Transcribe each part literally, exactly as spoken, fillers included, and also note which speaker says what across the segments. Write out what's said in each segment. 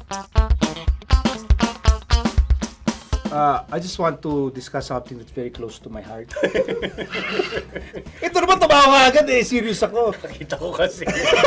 Speaker 1: Uh, I just want to discuss something that's very close to my heart. Ito naman tumawa agad eh, serious ako.
Speaker 2: Nakita ko kasi.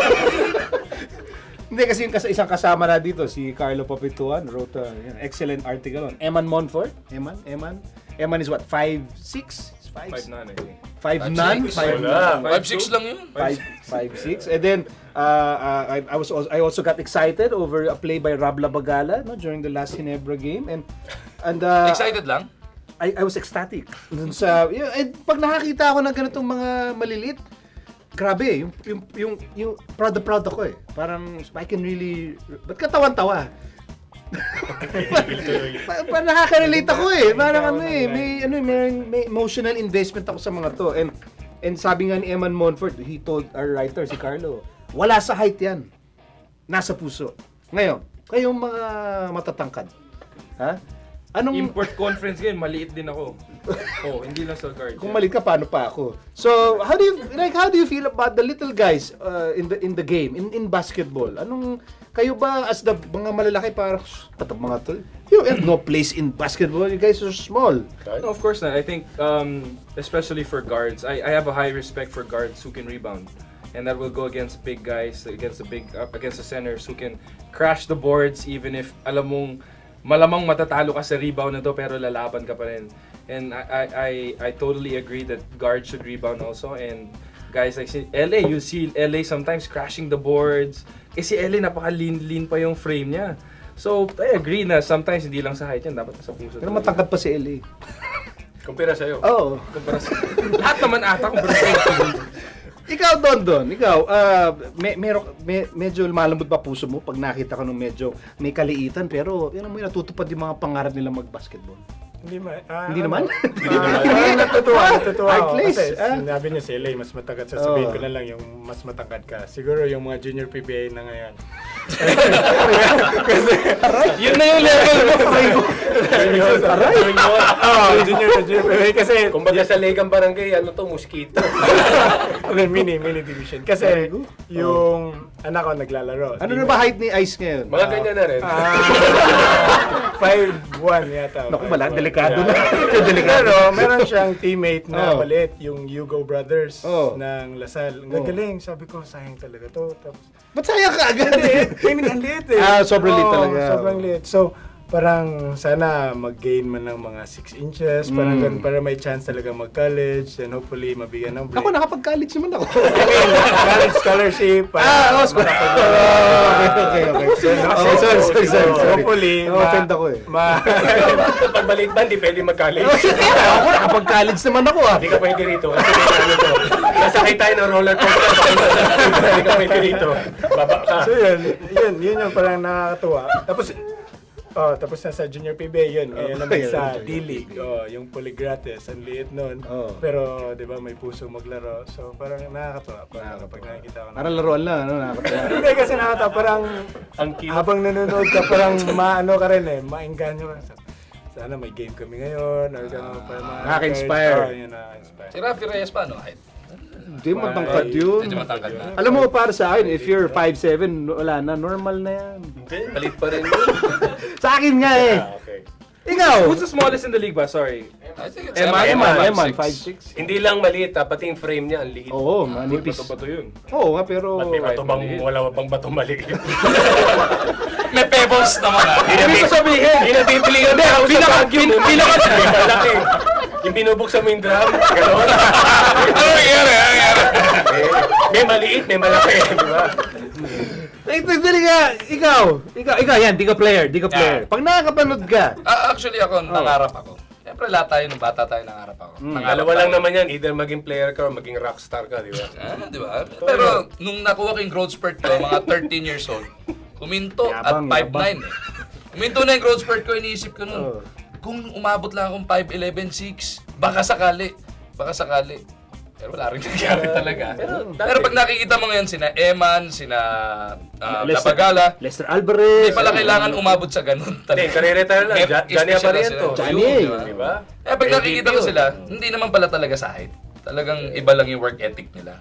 Speaker 1: Hindi kasi yung kas- isang kasama na dito, si Carlo Papituan, wrote an excellent article on Eman Monfort. Eman? Eman? Eman is what, five six? five
Speaker 3: five nine, I think.
Speaker 1: five nine?
Speaker 4: Five
Speaker 2: Wala.
Speaker 4: six lang yun.
Speaker 1: five six. And then, uh, uh, I, I was also, I also got excited over a play by Rob Labagala no, during the last Ginebra game. And, and uh,
Speaker 4: Excited lang?
Speaker 1: I, I was ecstatic. Dun sa, yun, and pag nakakita ako ng ganitong mga maliliit, grabe, yung, yung, yung, yung proud na proud ako eh. Parang, I can really, ba't katawan-tawa? pa, pa nakaka-relate ako eh. Parang ano eh, may, ano, eh, may, may emotional investment ako sa mga to. And, and sabi nga ni Eman Monfort, he told our writer, si Carlo, wala sa height yan. Nasa puso. Ngayon, kayong mga matatangkad. Ha? Anong...
Speaker 3: Import conference game, maliit din ako. Oh, hindi lang sa guard.
Speaker 1: Kung mali ka, paano pa ako? So, how do you like how do you feel about the little guys uh, in the in the game, in in basketball? Anong kayo ba as the mga malalaki parang patab mga tol? You have no place in basketball. You guys are small.
Speaker 3: No, of course not. I think, um, especially for guards, I, I have a high respect for guards who can rebound. And that will go against big guys, against the big, uh, against the centers who can crash the boards even if alam mong malamang matatalo ka sa rebound na to pero lalaban ka pa rin. And I, I, I, I totally agree that guards should rebound also. And guys like si L A, you see L A sometimes crashing the boards. Eh si L A napaka-lean-lean pa yung frame niya. So I agree na sometimes hindi lang sa height yan, dapat sa puso.
Speaker 1: Pero matangkad pa si L A.
Speaker 2: Kumpira sa'yo.
Speaker 1: Oo.
Speaker 3: Lahat naman ata kung
Speaker 1: Ikaw, Don Don, ikaw, uh, me, mero, me, medyo malambot pa puso mo pag nakita ka nung medyo may kaliitan pero yun mo natutupad yung mga pangarap nila mag-basketball.
Speaker 5: Hindi ma ah,
Speaker 1: Hindi
Speaker 5: ano?
Speaker 1: naman?
Speaker 5: Hindi naman. Ah, natutuwa, natutuwa ako.
Speaker 1: Heartless,
Speaker 5: Kasi
Speaker 1: ah.
Speaker 5: sinabi niya si L A, mas matangkad. Sasabihin
Speaker 1: Oh.
Speaker 5: ko na lang yung mas matangkad ka. Siguro yung mga junior P B A na ngayon.
Speaker 2: Yun na yung level mo.
Speaker 5: Junior, aray! Oo, junior na junior P B A. Kasi,
Speaker 2: Kumbaga sa Legang Barangay, ano to, mosquito.
Speaker 5: ano, mini, mini division. Kasi, yung anak ko naglalaro.
Speaker 1: Ano na ba height ni Ice ngayon?
Speaker 2: Mga ganyan na rin.
Speaker 5: five one yata.
Speaker 1: Naku,
Speaker 5: five
Speaker 1: wala,
Speaker 5: one.
Speaker 1: delikado
Speaker 5: Yeah.
Speaker 1: na. Delikado.
Speaker 5: Pero meron siyang teammate na
Speaker 1: Oh.
Speaker 5: palit, yung Hugo Brothers
Speaker 1: Oh.
Speaker 5: ng Lasal. Ang
Speaker 1: Oh.
Speaker 5: gagaling, sabi ko, sayang talaga to. Tapos,
Speaker 1: Ba't sayang ka agad?
Speaker 5: I mean, ang liit eh.
Speaker 1: Ah, sobrang liit
Speaker 5: Oo,
Speaker 1: talaga.
Speaker 5: Sobrang liit. So, parang sana mag-gain man ng mga six inches, parang
Speaker 1: Mm.
Speaker 5: ganun, para may chance talaga mag-college, and hopefully mabigyan ng break.
Speaker 1: Ako, nakapag-college naman ako.
Speaker 5: College scholarship. para
Speaker 1: Ah, oh, school.
Speaker 5: makapag-
Speaker 1: Oh, okay, okay, okay. Oh, sorry, sorry, sorry, sorry.
Speaker 5: Hopefully,
Speaker 1: Na-offend ako eh.
Speaker 5: ma-
Speaker 2: Pag maliit ba, hindi pwede mag-college.
Speaker 1: Ako, nakapag-college naman ako ah.
Speaker 2: Hindi ka pwede rito. Kasi may ano to. Sasakay tayo ng roller coaster. Hindi ka pwede rito. Baba ka.
Speaker 5: So yun, yun, yun yung parang nakakatuwa. Tapos, oh, tapos na sa junior P B A yun. Ngayon
Speaker 1: Oh,
Speaker 5: naman
Speaker 1: yun,
Speaker 5: sa
Speaker 1: yun.
Speaker 5: D-League, oh, yung Polygratis, ang liit nun.
Speaker 1: Oh.
Speaker 5: Pero, di ba, may puso maglaro. So, parang nakakatuwa. Parang kapag nakikita ko na.
Speaker 1: Parang laruan lang, ano, nakakatawa.
Speaker 5: Hindi kasi nakakatawa, parang
Speaker 2: Ang cute.
Speaker 5: habang nanonood ka, parang maano ka rin eh, maengganyo ka. Sana may game kami ngayon, or gano'n, para ma-
Speaker 1: Nakaka-inspire.
Speaker 5: Oh, yun, nakaka-inspire.
Speaker 4: Si Rafi Reyes pa, no? Height.
Speaker 1: Hindi, matangkad yun.
Speaker 4: Medyo matangkad na.
Speaker 1: Alam mo, para sa akin, if you're five seven, wala na, normal na yan.
Speaker 2: Hindi, palit pa rin yun.
Speaker 1: Sa akin nga eh.
Speaker 2: Ah, okay.
Speaker 1: Ikaw!
Speaker 3: Who's the smallest in the league ba? Sorry.
Speaker 4: I think it's
Speaker 1: Eman, Eman, Eman,
Speaker 4: five
Speaker 1: five
Speaker 4: six.
Speaker 1: six.
Speaker 2: Hindi lang maliit, ah, pati yung frame niya, ang liit.
Speaker 1: Oo,
Speaker 3: Uy,
Speaker 1: manipis.
Speaker 3: bato-bato yun.
Speaker 1: Oo nga, pero...
Speaker 2: Ba't may bato bang,
Speaker 3: maliit.
Speaker 2: wala bang bato maliit?
Speaker 4: May pebbles naman ah.
Speaker 2: Hindi ko sabihin. Hindi na bibili yun. Hindi, pinaka, pinaka, malaki. Yung binubuksan mo yung drum, gano'n.
Speaker 4: Ano nangyari? Ano nangyari?
Speaker 2: Eh, may maliit, may malaki, di ba?
Speaker 1: Eh, dali nga, ikaw, ikaw, ikaw yan, di ka player, di ka player. Pag nakakapanood ka,
Speaker 4: Ah, actually ako, nangarap ako. Siyempre lahat tayo, nung bata tayo, nangarap ako. Nangarap
Speaker 2: Dalawa lang
Speaker 4: tayo.
Speaker 2: naman yan, either maging player ka or maging rockstar ka, di ba?
Speaker 4: Ah, di ba? Pero nung nakuha ko yung growth spurt ko, mga thirteen years old, kuminto at
Speaker 1: Yabang,
Speaker 4: five nine eh. Kuminto na yung growth spurt ko, iniisip ko nun,
Speaker 1: Oh.
Speaker 4: kung umabot lang akong five eleven six, baka sakali, baka sakali. Pero wala rin nangyari talaga. Pero,
Speaker 2: dati-
Speaker 4: pag nakikita mo ngayon sina Eman, sina uh,
Speaker 1: Lester-
Speaker 4: Lapagala,
Speaker 1: Lester Alvarez.
Speaker 4: hindi pala kailangan umabot sa ganun
Speaker 2: Hindi,
Speaker 4: talaga.
Speaker 2: kare-retire lang.
Speaker 4: May
Speaker 2: Ja- Johnny
Speaker 4: special na
Speaker 2: Abariento.
Speaker 4: sila.
Speaker 1: Johnny,
Speaker 4: Yun, di ba?
Speaker 2: Di ba?
Speaker 4: Eh, pag
Speaker 2: M V P
Speaker 4: nakikita ko
Speaker 2: yun.
Speaker 4: sila, hindi naman pala talaga sa height. Talagang iba lang yung work ethic nila.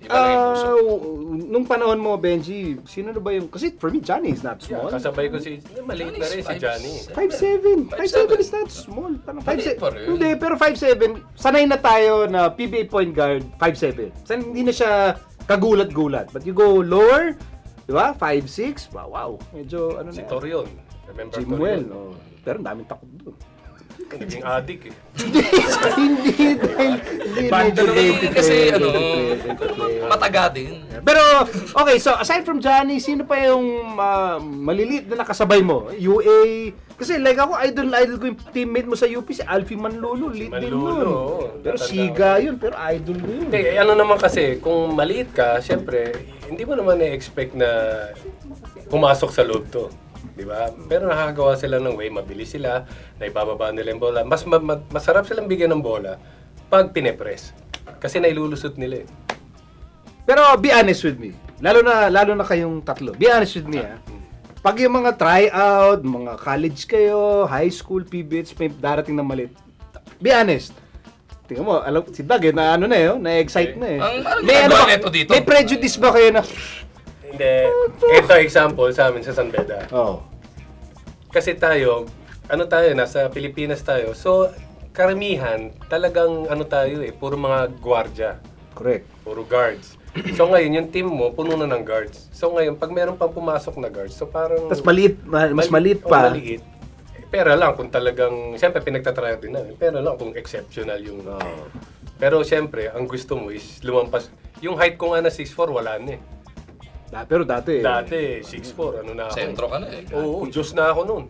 Speaker 4: Iba lang yung puso.
Speaker 1: Ah, nung panahon mo, Benji, sino na ba yung... Kasi for me, Johnny is not
Speaker 2: Yeah,
Speaker 1: small.
Speaker 2: kasabay ko si, maliit na rin si Johnny.
Speaker 1: five seven. five seven
Speaker 4: five seven.
Speaker 1: is not small. Parang five
Speaker 4: Maliit
Speaker 1: seven.
Speaker 4: pa rin.
Speaker 1: Hindi, pero five seven, sanay na tayo na P B A point guard, five seven. San hindi na siya kagulat-gulat. But you go lower, di ba? five six. Wow, wow. Medyo ano
Speaker 2: Si
Speaker 1: na.
Speaker 2: Torion. Remember
Speaker 1: Jimuel.
Speaker 2: Torion?
Speaker 1: Oh. Pero ang daming takot doon.
Speaker 2: Naging addict eh.
Speaker 1: hindi, hindi dahil hindi
Speaker 4: Banda
Speaker 1: medyo
Speaker 4: naman
Speaker 1: late
Speaker 4: kasi
Speaker 1: player,
Speaker 4: ano,
Speaker 1: late player, late player.
Speaker 4: mataga din.
Speaker 1: Pero, okay, so aside from Johnny, sino pa yung ah, maliliit na nakasabay mo? U A, kasi like ako, idol na idol ko yung teammate mo sa U P, si Alfie Manlolo, lit din
Speaker 2: Manlolo,
Speaker 1: nun.
Speaker 2: oo.
Speaker 1: Pero
Speaker 2: Tatanda
Speaker 1: siga yun, pero idol mo yun.
Speaker 2: Hindi, eh, ano naman kasi, kung maliit ka, syempre, hindi mo naman na-expect na pumasok sa loob to. Di ba? Pero nakakagawa sila ng way, mabilis sila, naibababa nila yung bola. Mas ma- ma- masarap silang bigyan ng bola pag pinepress. Kasi nailulusot nila eh.
Speaker 1: Pero be honest with me, lalo na lalo na kayong tatlo, be honest with me ah. Pag yung mga tryout, mga college kayo, high school, P B H, may darating na malit. Be honest. Tingnan mo, alam, si Doug eh, na ano na eh, oh, na-excite na eh.
Speaker 4: Ang- ang
Speaker 1: may,
Speaker 4: ginagawa
Speaker 1: ba-
Speaker 4: nito dito?
Speaker 1: may prejudice ba kayo na,
Speaker 2: Hindi. Ito example sa amin sa San Beda.
Speaker 1: oh,
Speaker 2: Kasi tayo, ano tayo, nasa Pilipinas tayo. So, karamihan, talagang ano tayo eh, puro mga gwardiya.
Speaker 1: correct.
Speaker 2: Puro guards. So ngayon, yung team mo, puno na ng guards. So ngayon, pag meron pang pumasok na guards, so parang...
Speaker 1: Tapos maliit, ma- mas
Speaker 2: Mali-
Speaker 1: maliit
Speaker 2: oh,
Speaker 1: pa.
Speaker 2: maliit. Eh, Pera lang kung talagang, siyempre pinagtatryout din namin. Pera lang kung exceptional yung...
Speaker 1: Oh.
Speaker 2: Pero siyempre, ang gusto mo is lumampas. Yung height ko nga na six four, wala na eh.
Speaker 1: Da, pero dati,
Speaker 2: Dati, six four, ano na ako.
Speaker 4: Sentro ka na eh.
Speaker 2: Oo, Diyos na ako noon.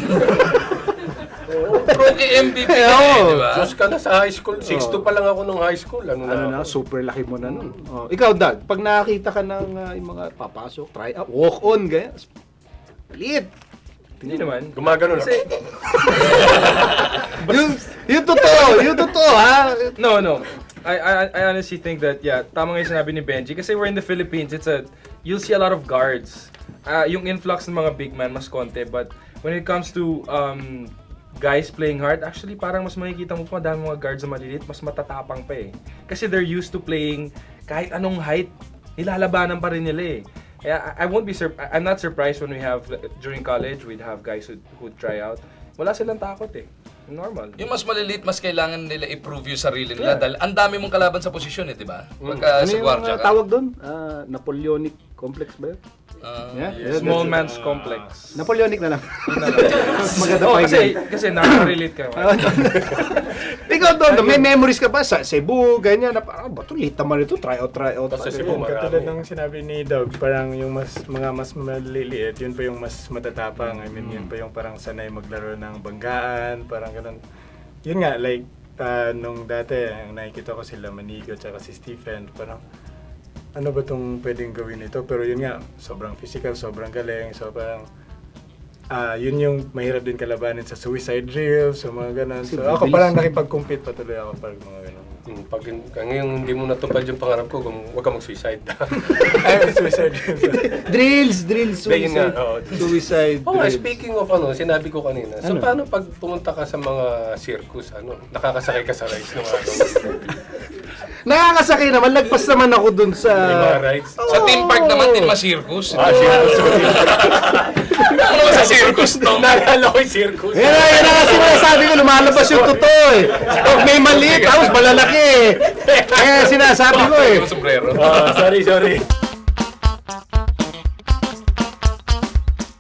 Speaker 4: Rookie M V P
Speaker 1: Eh,
Speaker 4: ka na eh,
Speaker 1: oo.
Speaker 4: di ba?
Speaker 2: Diyos ka na sa high school. six two pa lang ako nung high school. Ano,
Speaker 1: ano na,
Speaker 2: na ako?
Speaker 1: super laki mo na nun. Oh, ikaw, Doug, pag nakakita ka ng ah, yung mga papasok, try out, walk on, gaya, maliit.
Speaker 3: Hindi naman.
Speaker 2: Gumagano lang.
Speaker 3: Kasi,
Speaker 1: yung, yung totoo, yung totoo, ha?
Speaker 3: no, no. I, I I honestly think that, yeah, tama nga yung sinabi ni Benji. Kasi we're in the Philippines, it's a, you'll see a lot of guards. Ah, yung influx ng mga big man mas konti. But when it comes to um, guys playing hard, actually parang mas makikita mo pa madami mga guards na maliliit, mas matatapang pa eh. Kasi they're used to playing kahit anong height, nilalabanan pa rin nila eh. Kaya I, I won't be sur- I'm not surprised when we have, during college, we'd have guys who who try out. Wala silang takot eh. Normal.
Speaker 4: Yung mas maliliit, mas kailangan nila i-prove yung sarili nila. Dahil ang dami mong kalaban sa posisyon eh, di ba? Pagka
Speaker 1: Ano
Speaker 4: sa
Speaker 1: yung
Speaker 4: gwardiya
Speaker 1: ah,
Speaker 4: ka.
Speaker 1: tawag doon? Ah, Napoleonic complex ba yun?
Speaker 4: Ah,
Speaker 1: Yeah?
Speaker 3: Small man's complex.
Speaker 1: Napoleonic na lang. Mas maganda
Speaker 3: Oh,
Speaker 1: pa
Speaker 3: kasi, kasi nakaka-relate ka.
Speaker 1: Ikaw doon, may memories ka ba sa Cebu, ganyan, na parang, ba't late naman ito, try out, try out.
Speaker 2: Tapos sa
Speaker 1: Ano
Speaker 2: Cebu,
Speaker 1: yun?
Speaker 2: marami.
Speaker 5: Katulad ng sinabi ni Doug, parang yung mas mga mas maliliit, yun pa yung mas matatapang. I mean, yun pa yung parang sanay maglaro ng banggaan, parang ganun. Yun nga, like, ah, nung dati, ang nakikita ko sila Manigo at si Stephen, parang, ano ba itong pwedeng gawin ito? Pero yun nga, sobrang physical, sobrang galing, so parang, ah yun yung mahirap din kalabanin sa suicide drills, so mga ganun. So ako parang nakipag-compete patuloy ako pag mga ganun.
Speaker 2: Hmm, pag ngayon hindi mo natupad yung pangarap ko, kung huwag ka mag-suicide.
Speaker 5: Ay, suicide drills.
Speaker 1: Drills, drills,
Speaker 2: Ayun nga,
Speaker 1: suicide.
Speaker 2: oo.
Speaker 1: Suicide
Speaker 2: Oh, nga,
Speaker 1: drills.
Speaker 2: speaking of ano, sinabi ko kanina. So
Speaker 1: Ano?
Speaker 2: paano pag pumunta ka sa mga circus, ano, nakakasakay ka sa rides ng ano,
Speaker 1: Nakakasakay naman, lagpas naman ako dun sa...
Speaker 2: yung mga rides?
Speaker 4: Sa theme park naman din ma-circus.
Speaker 2: Ah, circus. Sorry.
Speaker 4: Ano ba sa circus to?
Speaker 2: Naalala ko yung circus.
Speaker 1: Yan na, yan na kasi sinasabi ko, lumalabas yung totoo eh. Pag may maliit, tapos malalaki eh. Kaya sinasabi ko eh.
Speaker 4: Yung sombrero.
Speaker 2: Ah, sorry, sorry.